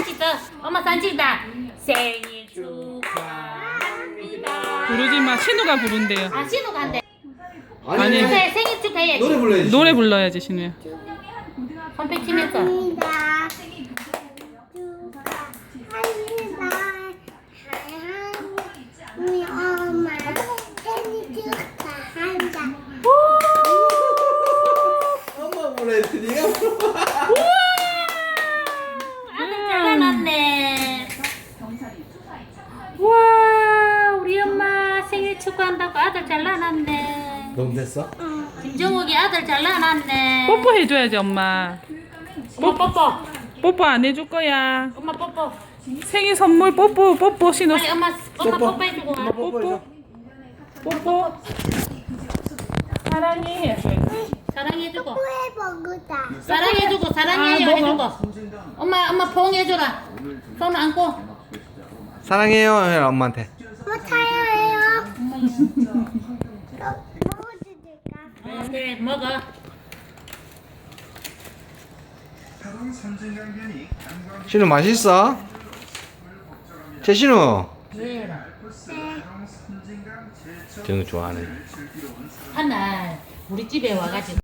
하나 찍어. 엄마 사진 찍다. 생일 축하합니다. 부르지 마. 신우가 부른대요. 아 신우가 한대. 아니. 그래 생일 축하해야지. 노래 불러야지. 노래 불러야지, 신우야. 손뼉 치면서. 우리 엄마 생일 축하한다. 엄마 불러야지. 네가 아들 잘라놨네. 와 우리 엄마 생일 축하한다고 아들 잘라놨네. 너무 됐어? 김정욱이 아들 잘라놨네. 뽀뽀 해줘야지, 엄마. 엄마 뽀뽀. 뽀뽀 안 해줄 거야. 엄마 뽀뽀. 생일 선물 뽀뽀 신우. 빨리 엄마 뽀뽀 해주고 와. 뽀뽀. 뽀뽀. 사랑해. 사랑해주고. 후회 먹으다. 사랑해주고 사랑해요 아, 해주고. 엄마 포옹해줘라. 손 안고. 사랑해요, 해 엄마한테. 뭐 타요해요? 먹어주실까? 그래 먹어. 신우 맛있어? 최신우. 예. 정우 좋아하네. 한날 우리 집에 와가지고.